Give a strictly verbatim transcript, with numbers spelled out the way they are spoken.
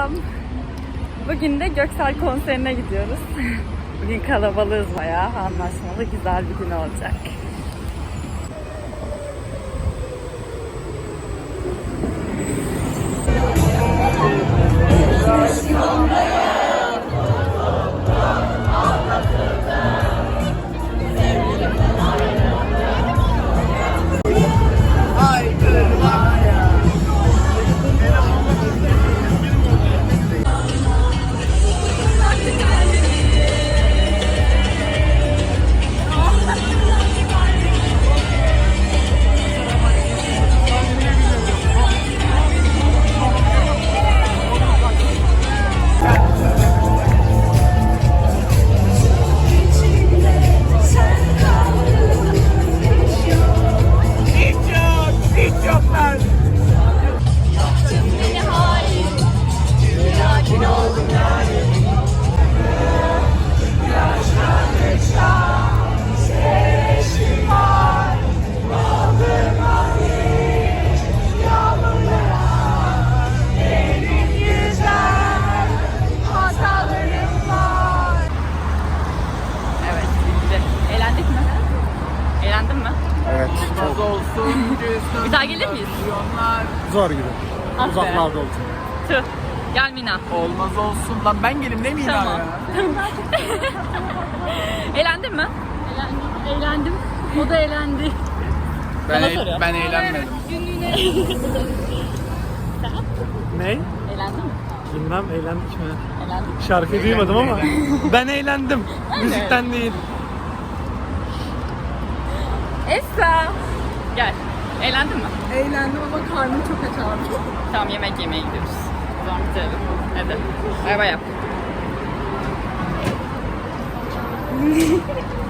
Selam. Bugün de Göksel konserine gidiyoruz. Bugün kalabalığız bayağı. Anlaşmalı güzel bir gün olacak. Bir daha gelir miyiz? Zor gibi. Ah be. Uzaklarda olsun. Tüh. Gel Mina. Olmaz olsun. Lan ben gelim ne Mina Tamam. ya? Eğlendin mi? Eğlendim. Eğlendim. O da eğlendi. Ben, Sana e- soruyor. ben eğlenmedim. Ne? Eğlendin mi? Bilmem eğlendik mi? Eğlendik. Şarkıyı duymadım ama ben eğlendim. Müzikten değil. Esra. Gel. Eğlendin mi? Eğlendim ama karnım çok aç abi. Tamam yemek yemeye gidiyoruz. O zaman bitirelim. Hadi. Bay bay yap.